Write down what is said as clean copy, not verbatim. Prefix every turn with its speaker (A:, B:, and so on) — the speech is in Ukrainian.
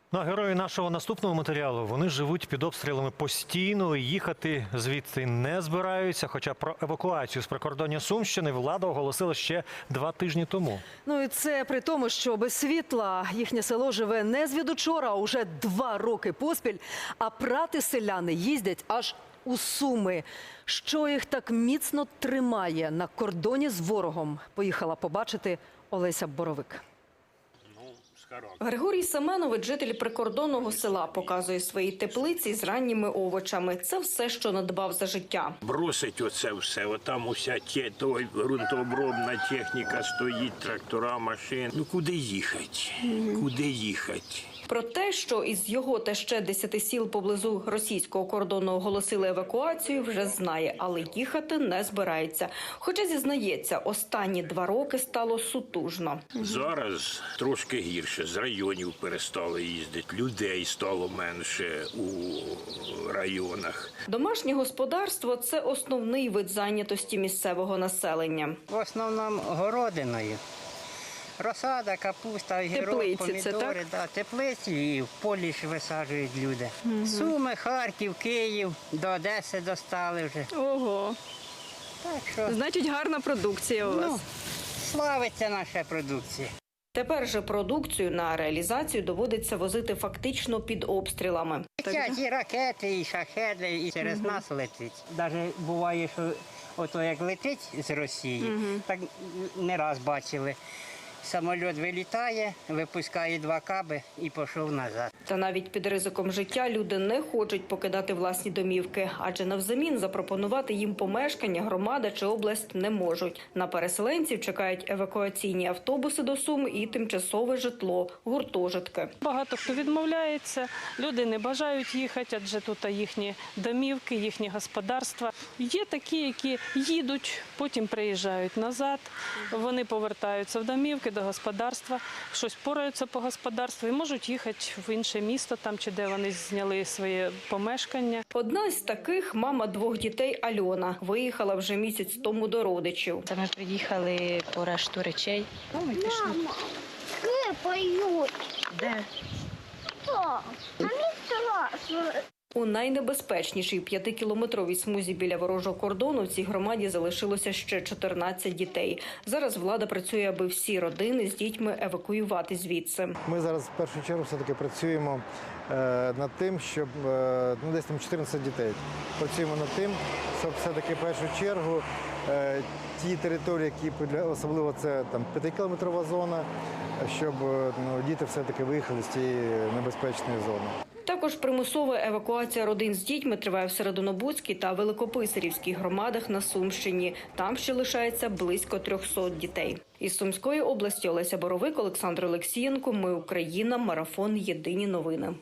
A: Ну, а герої нашого наступного матеріалу, вони живуть під обстрілами постійно і їхати звідси не збираються. Хоча про евакуацію з прикордоння Сумщини влада оголосила ще 2 тижні тому.
B: Ну і це при тому, що без світла їхнє село живе не звідучора, а уже 2 роки поспіль. А прати селяни їздять аж у Суми. Що їх так міцно тримає на кордоні з ворогом, поїхала побачити Олеся Боровик.
C: Григорій Семенович, житель прикордонного села, показує свої теплиці з ранніми овочами. Це все, що надбав за життя.
D: Бросить оце все, отам уся ґрунтообробна техніка стоїть, трактора, машини. Ну куди їхати? Куди їхати?
C: Про те, що із його та ще 10 сіл поблизу російського кордону оголосили евакуацію, вже знає, але їхати не збирається. Хоча, зізнається, останні 2 роки стало сутужно.
D: Зараз трошки гірше, з районів перестали їздити, людей стало менше у районах.
C: Домашнє господарство – це основний вид зайнятості місцевого населення.
E: В основному городиною. Розсада, капуста, огірок,
C: Теплиці
E: помідори.
C: це, так?
E: Да, теплиці і в полі ж висаджують люди. Суми, Харків, Київ, до Одеси достали вже.
C: Ого,
E: Так що,
C: значить гарна продукція у
E: ну, славиться наша продукція.
C: Тепер же продукцію на реалізацію доводиться возити фактично під обстрілами.
E: Летять і ракети, і шахеди, і через нас летить. Навіть буває, що ото як летить з Росії, так не раз бачили. Самоліт вилітає, випускає 2 каби і пішов назад.
C: Та навіть під ризиком життя люди не хочуть покидати власні домівки, адже навзамін запропонувати їм помешкання громада чи область не можуть. На переселенців чекають евакуаційні автобуси до Сум і тимчасове житло, гуртожитки.
F: Багато хто відмовляється, люди не бажають їхати, адже тут їхні домівки, їхні господарства. Є такі, які їдуть, потім приїжджають назад, вони повертаються в домівки, до господарства, щось пораються по господарству і можуть їхати в інше місто, там чи де вони зняли своє помешкання.
C: Одна з таких – мама 2 дітей Альона. Виїхала вже місяць тому до родичів.
G: Це ми приїхали по решту речей.
H: Мама, поють.
G: Де?
H: Що? Мені страшно.
C: У найнебезпечнішій 5-кілометровій смузі біля ворожого кордону в цій громаді залишилося ще 14 дітей. Зараз влада працює, аби всі родини з дітьми евакуювати звідси.
I: Ми зараз в першу чергу все-таки працюємо над тим, щоб десь там 14 дітей. Працюємо над тим, щоб все-таки в першу чергу ті території, які особливо це там 5-кілометрова зона, щоб діти все-таки виїхали з цієї небезпечної зони.
C: Також примусова евакуація родин з дітьми триває в Серединобудській та Великописарівській громадах на Сумщині. Там ще лишається близько 300 дітей. Із Сумської області Олеся Боровик, Олександр Олексієнко. Ми Україна. Марафон. Єдині новини.